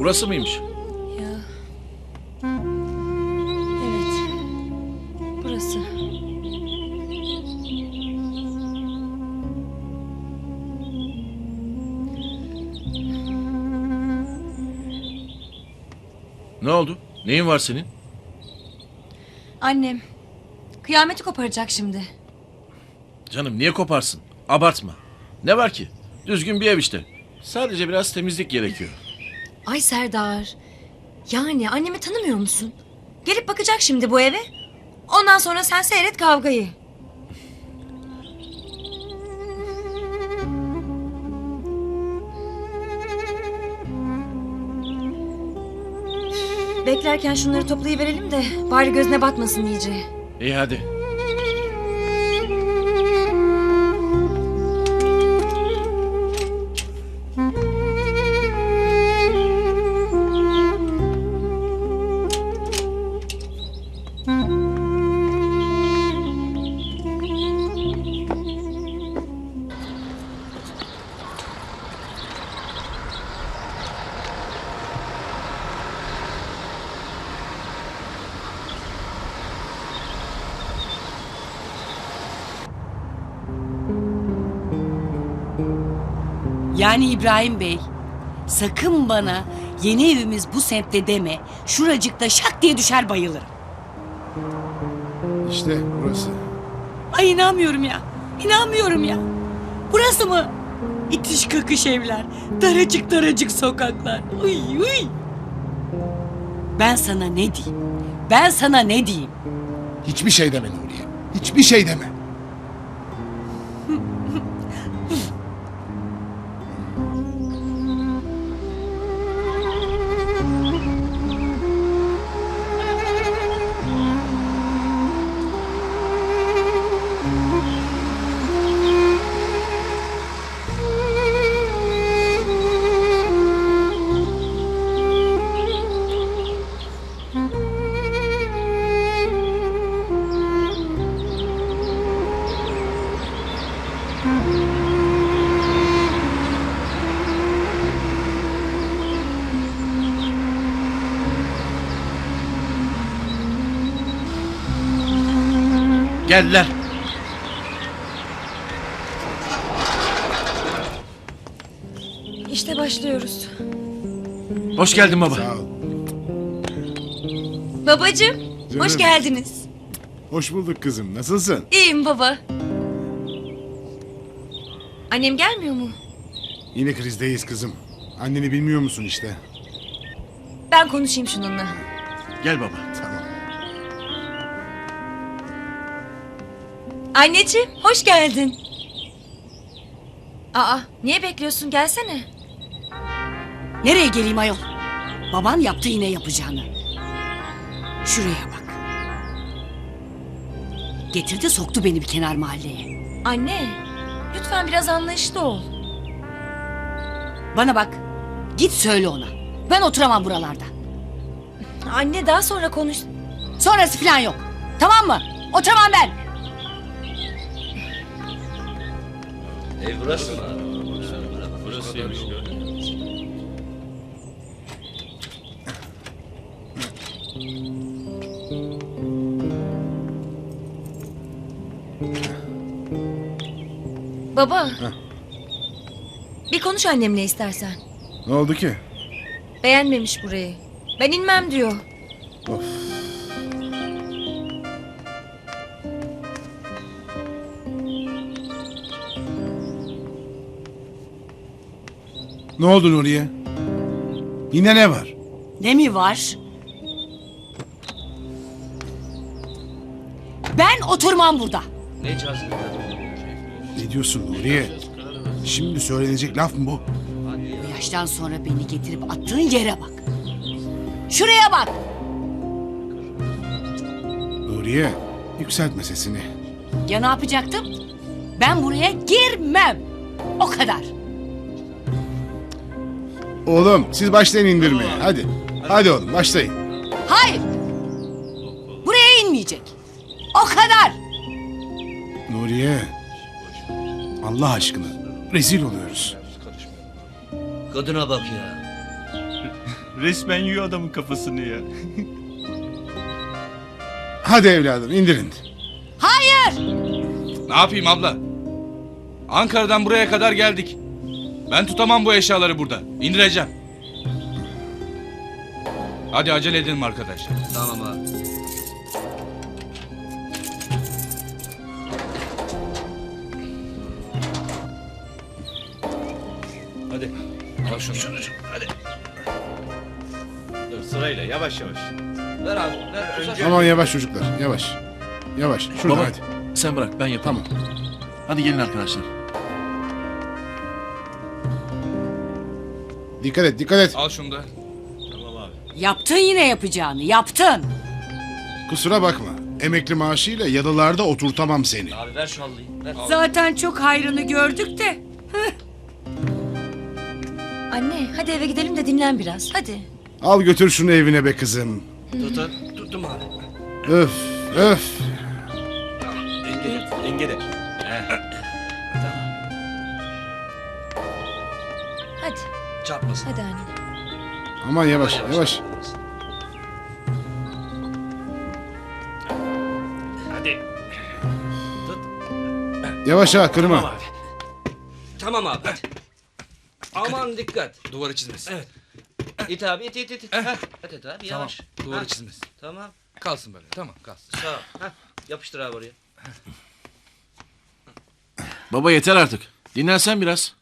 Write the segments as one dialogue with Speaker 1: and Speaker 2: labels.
Speaker 1: Burası mıymış?
Speaker 2: Ya. Evet. Burası.
Speaker 1: Ne oldu? Neyin var senin?
Speaker 2: Annem. Kıyameti koparacak şimdi.
Speaker 1: Canım niye koparsın? Abartma. Ne var ki? Düzgün bir ev işte. Sadece biraz temizlik gerekiyor.
Speaker 2: Ay Serdar. Yani annemi tanımıyor musun? Gelip bakacak şimdi bu eve. Ondan sonra sen seyret kavgayı. Beklerken şunları toplayıverelim de bari gözüne batmasın iyice.
Speaker 1: İyi hadi.
Speaker 3: Yani İbrahim Bey, sakın bana yeni evimiz bu semtte deme. Şuracıkta şak diye düşer bayılırım.
Speaker 4: İşte burası.
Speaker 3: Ay inanmıyorum ya. İnanmıyorum ya. Burası mı? İtiş kakış evler. Daracık daracık sokaklar. Uy uy. Ben sana ne diyeyim? Ben sana ne diyeyim?
Speaker 4: Hiçbir şey deme Nuriye. Hiçbir şey deme.
Speaker 1: Geldiler.
Speaker 2: İşte başlıyoruz.
Speaker 1: Hoş geldin baba.
Speaker 4: Sağ ol.
Speaker 2: Babacığım, hoş
Speaker 4: Canım.
Speaker 2: geldiniz.
Speaker 4: Hoş bulduk kızım. Nasılsın?
Speaker 2: İyiyim baba. Annem gelmiyor mu?
Speaker 4: Yine krizdeyiz kızım. Anneni bilmiyor musun işte?
Speaker 2: Ben konuşayım şununla.
Speaker 1: Gel baba.
Speaker 4: Tamam.
Speaker 2: Anneciğim, hoş geldin. Aa, niye bekliyorsun? Gelsene.
Speaker 3: Nereye geleyim ayol? Baban yaptı yine yapacağını. Şuraya bak. Getirdi soktu beni bir kenar mahalleye.
Speaker 2: Anne, lütfen biraz anlayışlı ol.
Speaker 3: Bana bak. Git söyle ona. Ben oturamam buralarda.
Speaker 2: Anne daha sonra konuş.
Speaker 3: Sonrası falan yok. Tamam mı? Oturamam ben.
Speaker 5: Ev burası mı? Burasıymış.
Speaker 2: Baba. Bir konuş annemle istersen.
Speaker 4: Ne oldu ki?
Speaker 2: Beğenmemiş burayı. Ben inmem diyor.
Speaker 4: Of. Ne oldu Nuriye? Yine ne var?
Speaker 3: Ne mi var? Ben oturmam burada.
Speaker 5: Ne cazgır?
Speaker 4: Ne diyorsun Nuriye? Şimdi söylenecek laf mı bu?
Speaker 3: Bu yaştan sonra beni getirip attığın yere bak. Şuraya bak.
Speaker 4: Nuriye, yükseltme sesini.
Speaker 3: Ya ne yapacaktım? Ben buraya girmem. O kadar.
Speaker 4: Oğlum siz başlayın indirmeye. Hadi. Hadi oğlum başlayın.
Speaker 3: Hayır. Buraya inmeyecek. O kadar.
Speaker 4: Nuriye. Allah aşkına. Rezil oluyoruz.
Speaker 5: Kadına bak ya.
Speaker 6: Resmen yiyor adamın kafasını ya.
Speaker 4: Hadi evladım indirin.
Speaker 7: Ne yapayım abla? Ankara'dan buraya kadar geldik. Ben tutamam bu eşyaları burada. İndireceğim. Hadi acele edelim arkadaşlar.
Speaker 5: Tamam abi. Hadi.
Speaker 7: Al şunu.
Speaker 5: Hadi. Dur sırayla yavaş yavaş. Ver abi. Ver. Önce.
Speaker 4: Aman yavaş çocuklar yavaş. Yavaş şuradan
Speaker 1: Baba
Speaker 4: hadi.
Speaker 1: sen bırak ben yapamam. Hadi gelin arkadaşlar.
Speaker 4: Dikkat et dikkat et.
Speaker 7: Al şunu da.
Speaker 5: Tamam abi.
Speaker 3: Yaptın yine yapacağını, yaptın.
Speaker 4: Kusura bakma. Emekli maaşıyla yalılarda oturtamam seni.
Speaker 5: Abi ver şu halıyı. Ver.
Speaker 3: Zaten çok hayrını gördük de.
Speaker 2: Anne hadi eve gidelim de dinlen biraz. Hadi.
Speaker 4: Al götür şunu evine be kızım.
Speaker 5: Tuttum abi.
Speaker 4: Öf öf.
Speaker 5: Dengede.
Speaker 2: Hadi.
Speaker 5: Çarpmasın.
Speaker 2: Hadi anne.
Speaker 4: Aman yavaş yavaş.
Speaker 5: Hadi.
Speaker 4: Yavaş ha kırma.
Speaker 5: Tamam abi. Tamam abi hadi. Aman dikkat.
Speaker 7: Duvarı çizmesin.
Speaker 5: Evet. İt abi it. Heh. Et abi yavaş.
Speaker 7: Duvarı
Speaker 5: Heh.
Speaker 7: çizmesin.
Speaker 5: Tamam.
Speaker 7: Kalsın böyle. Tamam kalsın.
Speaker 5: Sağ ol. Heh. Yapıştır abi oraya.
Speaker 1: Baba yeter artık. Dinlensen biraz.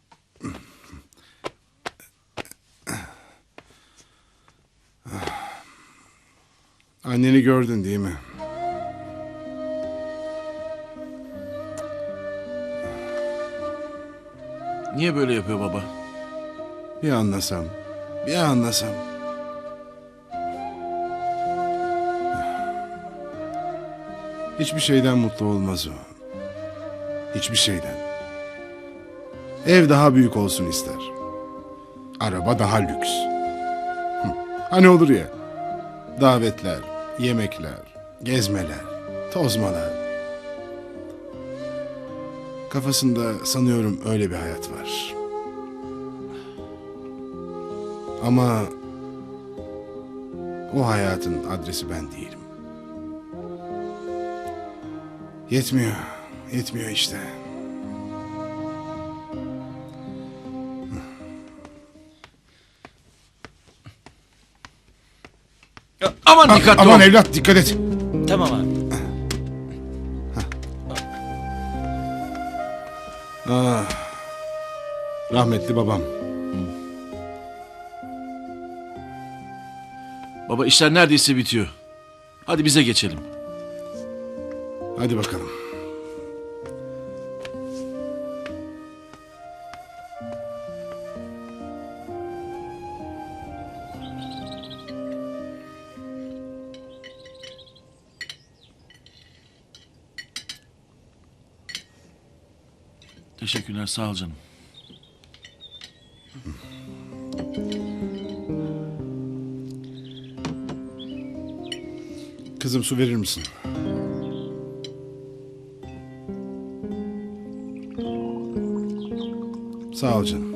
Speaker 4: Anneni gördün değil mi?
Speaker 1: Niye böyle yapıyor baba?
Speaker 4: Bir anlasam. Bir anlasam. Hiçbir şeyden mutlu olmaz o. Hiçbir şeyden. Ev daha büyük olsun ister. Araba daha lüks. Hani olur ya. Davetler, yemekler, gezmeler, tozmalar. Kafasında sanıyorum öyle bir hayat var. Ama o hayatın adresi ben değilim. Yetmiyor, yetmiyor işte.
Speaker 1: Aman dikkatli
Speaker 4: Aman
Speaker 1: ol.
Speaker 4: evlat dikkat et.
Speaker 5: Tamam abi.
Speaker 4: Ah, rahmetli babam.
Speaker 1: Baba işler neredeyse bitiyor. Hadi bize geçelim.
Speaker 4: Hadi bakalım.
Speaker 1: Teşekkürler sağ ol canım.
Speaker 4: Kızım su verir misin? Sağ ol canım.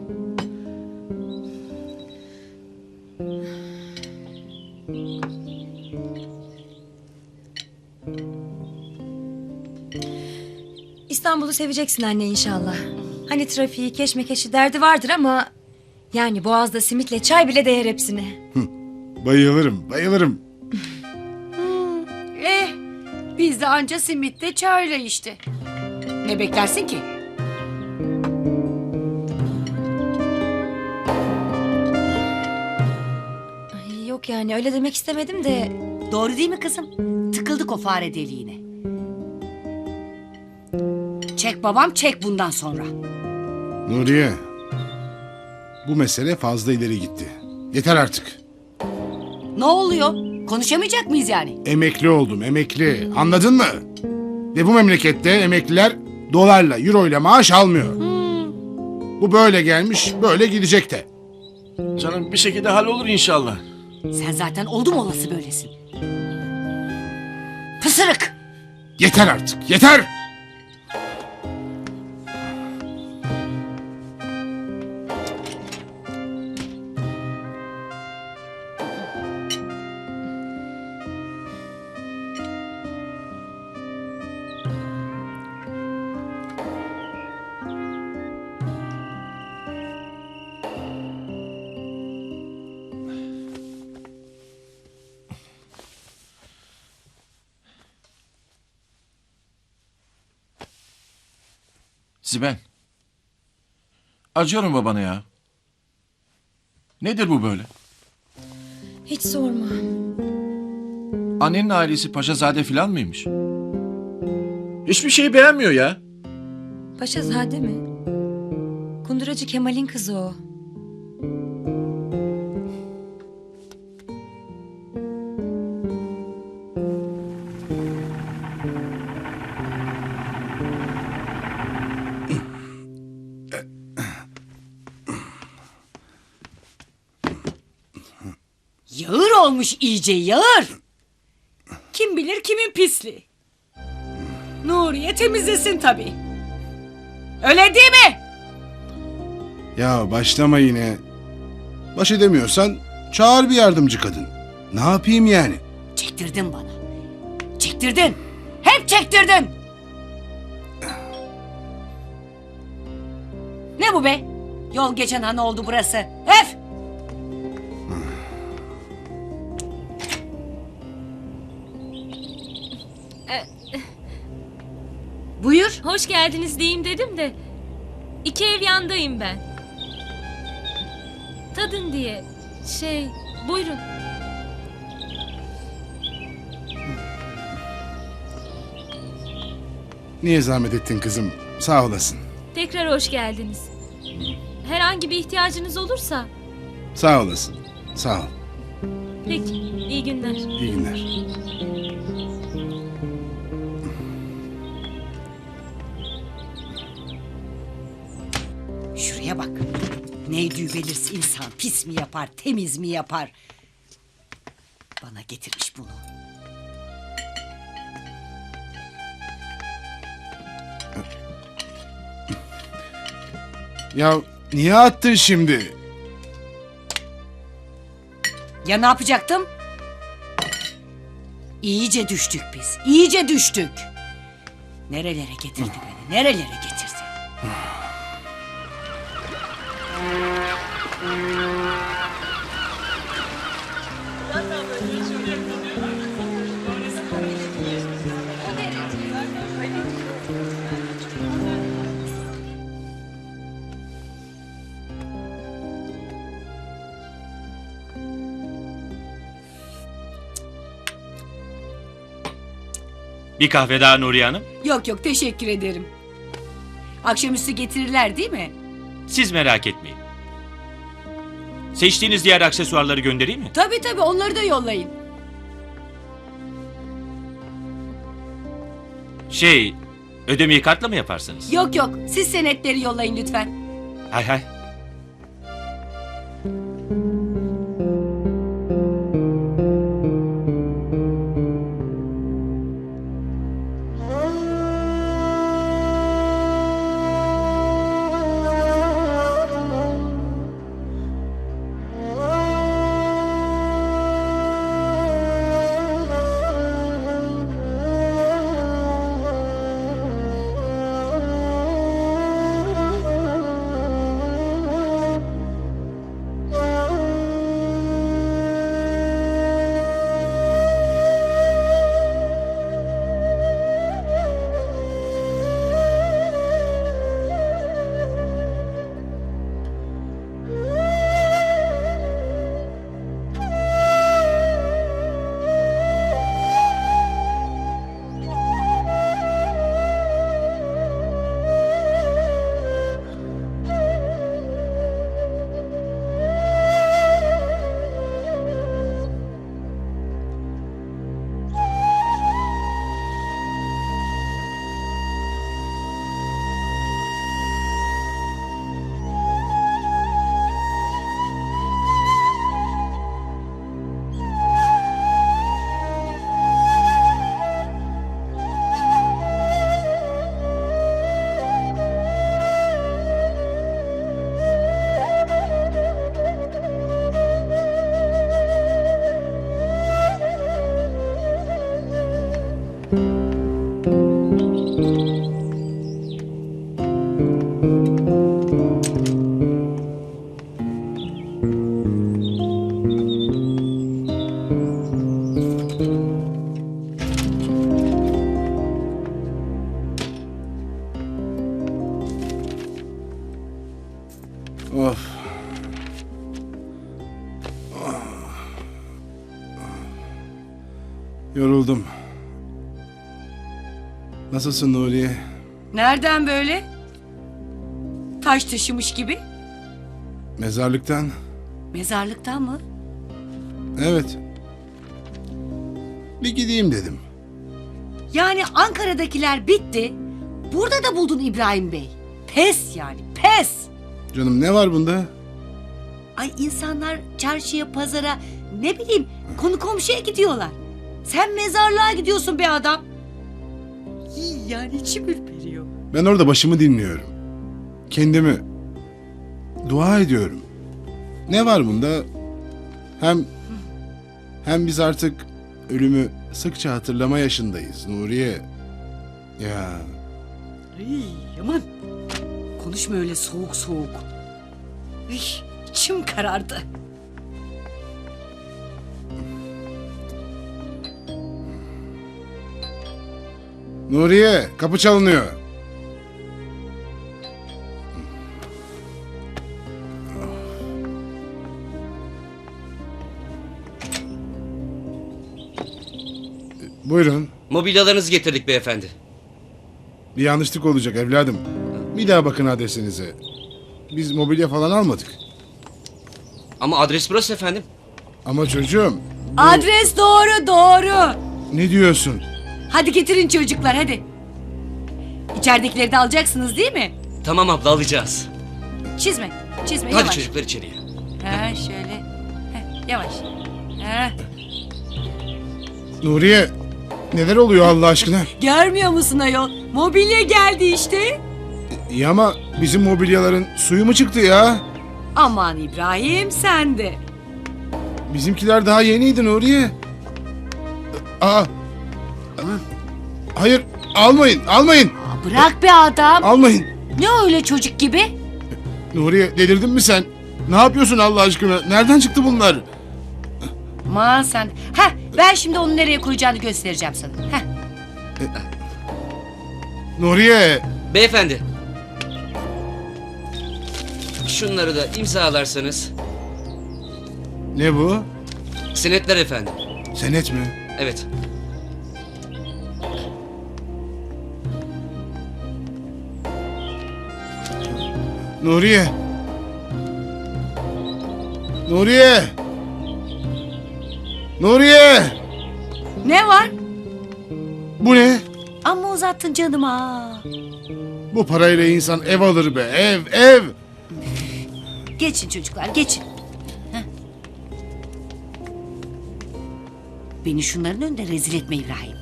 Speaker 2: İstanbul'u seveceksin anne inşallah. Hani trafiği, keşmekeşi derdi vardır ama... Yani Boğaz'da simitle çay bile değer hepsine.
Speaker 4: Bayılırım, bayılırım.
Speaker 3: Biz de anca simitle çayla işte. Ne beklersin ki?
Speaker 2: Ay, yok yani öyle demek istemedim de...
Speaker 3: Doğru değil mi kızım? Tıkıldık o fare deliğine. Çek babam çek bundan sonra.
Speaker 4: Nuriye. Bu mesele fazla ileri gitti. Yeter artık.
Speaker 3: Ne oluyor? Konuşamayacak mıyız yani?
Speaker 4: Emekli oldum, emekli. Anladın mı? Ve bu memlekette emekliler dolarla, euroyla maaş almıyor. Bu böyle gelmiş, böyle gidecek de.
Speaker 1: Canım bir şekilde hallolur inşallah.
Speaker 3: Sen zaten oldum olası böylesin. Pısırık!
Speaker 4: Yeter artık, yeter!
Speaker 1: Sibel. Acıyorum babana ya. Nedir bu böyle?
Speaker 2: Hiç sorma.
Speaker 1: Annenin ailesi Paşazade falan mıymış? Hiçbir şeyi beğenmiyor ya.
Speaker 2: Paşazade mi? Kunduracı Kemal'in kızı o.
Speaker 3: Yağır olmuş iyice yağır. Kim bilir kimin pisliği. Nuriye temizlesin tabii. Öyle değil mi?
Speaker 4: Ya başlama yine. Baş edemiyorsan çağır bir yardımcı kadın. Ne yapayım yani?
Speaker 3: Çektirdin bana. Çektirdin. Hep çektirdin. Ne bu be? Yol geçen han oldu burası. Öf! Buyur.
Speaker 8: Hoş geldiniz diyeyim dedim de 2 ev yandayım ben. Tadın diye. Buyurun.
Speaker 4: Niye zahmet ettin kızım? Sağ olasın.
Speaker 8: Tekrar hoş geldiniz. Herhangi bir ihtiyacınız olursa
Speaker 4: Sağ olasın. Sağ ol.
Speaker 8: peki iyi günler.
Speaker 4: İyi günler.
Speaker 3: Şuraya bak. Neydi belirsiz insan pis mi yapar temiz mi yapar? Bana getirmiş bunu.
Speaker 4: Ya niye attın şimdi?
Speaker 3: Ya ne yapacaktım? İyice düştük biz. İyice düştük. Nerelere getirdi beni? Nerelere getirdi?
Speaker 6: Bir kahve daha Nuriye Hanım.
Speaker 3: Yok yok teşekkür ederim. Akşamüstü getirirler değil mi?
Speaker 6: Siz merak etmeyin. Seçtiğiniz diğer aksesuarları göndereyim mi?
Speaker 3: Tabii tabii onları da yollayın.
Speaker 6: Ödemeyi kartla mı yaparsınız?
Speaker 3: Yok yok siz senetleri yollayın lütfen.
Speaker 6: Hay hay.
Speaker 4: Of. Yoruldum. Nasılsın Nuriye?
Speaker 3: Nereden böyle? Taş taşımış gibi.
Speaker 4: Mezarlıktan?
Speaker 3: Mezarlıktan mı?
Speaker 4: Evet. Bir gideyim dedim.
Speaker 3: Yani Ankara'dakiler bitti. Burada da buldun İbrahim Bey. Pes yani, pes.
Speaker 4: Canım ne var bunda?
Speaker 3: Ay insanlar çarşıya, pazara, ne bileyim konu komşuya gidiyorlar. Sen mezarlığa gidiyorsun be adam. Yani içim ürperiyor.
Speaker 4: Ben orada başımı dinliyorum. Kendimi dua ediyorum. Ne var bunda? Hem biz artık ölümü sıkça hatırlama yaşındayız Nuriye. Ya
Speaker 3: Ay, aman. Konuşma öyle soğuk soğuk. Üy, içim karardı.
Speaker 4: Nuriye, kapı çalınıyor. Buyurun.
Speaker 5: Mobilyalarınızı getirdik beyefendi.
Speaker 4: Bir yanlışlık olacak evladım. Bir daha bakın adresinize. Biz mobilya falan almadık.
Speaker 5: Ama adres burası efendim.
Speaker 4: Ama çocuğum,
Speaker 3: Adres doğru, doğru.
Speaker 4: ne diyorsun?
Speaker 3: Hadi getirin çocuklar, hadi. İçeridekileri de alacaksınız değil mi?
Speaker 5: Tamam abla alacağız.
Speaker 3: Çizme, çizme,
Speaker 5: Hadi
Speaker 3: yavaş.
Speaker 5: çocuklar içeriye.
Speaker 3: Ha, şöyle. Heh, yavaş. Ha.
Speaker 4: Nuriye, neler oluyor Allah aşkına?
Speaker 3: Görmüyor musun ayol? Mobilya geldi işte.
Speaker 4: İyi ama bizim mobilyaların suyu mu çıktı ya?
Speaker 3: Aman İbrahim sen de.
Speaker 4: Bizimkiler daha yeniydi Nuriye. Aa. Hayır, almayın, almayın.
Speaker 3: Bırak be adam.
Speaker 4: Almayın.
Speaker 3: Ne öyle çocuk gibi?
Speaker 4: Nuriye, delirdin mi sen? Ne yapıyorsun Allah aşkına? Nereden çıktı bunlar?
Speaker 3: Aman sen. Heh, ben şimdi onu nereye koyacağını göstereceğim sana. Heh.
Speaker 4: Nuriye.
Speaker 5: Beyefendi. Şunları da imzalarsanız.
Speaker 4: Ne bu?
Speaker 5: Senetler efendim.
Speaker 4: Senet mi?
Speaker 5: Evet.
Speaker 4: Nuriye. Nuriye. Nuriye.
Speaker 3: Ne var?
Speaker 4: Bu ne?
Speaker 3: Amma uzattın canıma.
Speaker 4: Bu parayla insan ev alır be. Ev.
Speaker 3: Geçin çocuklar, geçin. Heh. Beni şunların önünde rezil etme İbrahim.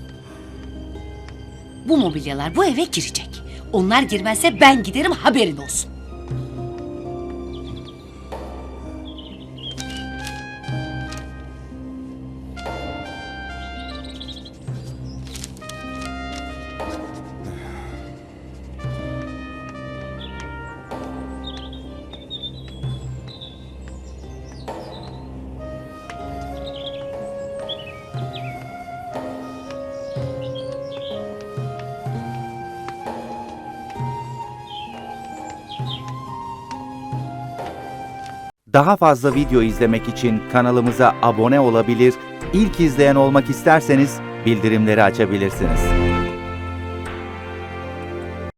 Speaker 3: Bu mobilyalar bu eve girecek. Onlar girmezse ben giderim, haberin olsun.
Speaker 9: Daha fazla video izlemek için kanalımıza abone olabilir, ilk izleyen olmak isterseniz bildirimleri açabilirsiniz.